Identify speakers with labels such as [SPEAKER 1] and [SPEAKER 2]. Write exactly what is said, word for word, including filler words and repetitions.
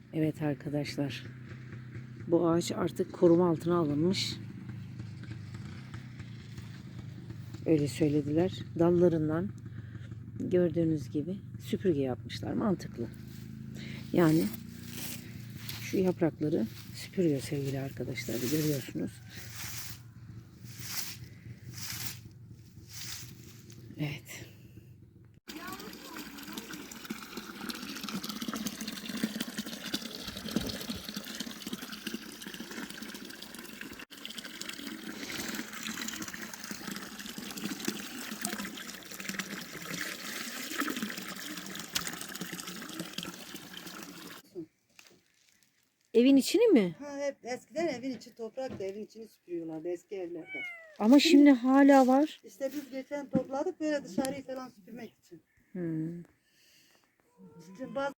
[SPEAKER 1] Evet arkadaşlar. Bu ağaç artık koruma altına alınmış. Öyle söylediler. Dallarından gördüğünüz gibi süpürge yapmışlar. Mantıklı. Yani şu yaprakları süpürüyor sevgili arkadaşlar. Görüyorsunuz. Evet. Evin içini mi?
[SPEAKER 2] Ha, hep eskiden evin içi topraktı, evin içini süpürüyorlardı eski evlerde.
[SPEAKER 1] Ama şimdi hala var.
[SPEAKER 2] İşte biz geçen topladık böyle dışarıyı falan süpürmek için.
[SPEAKER 1] Hmm.
[SPEAKER 2] Şimdi bazı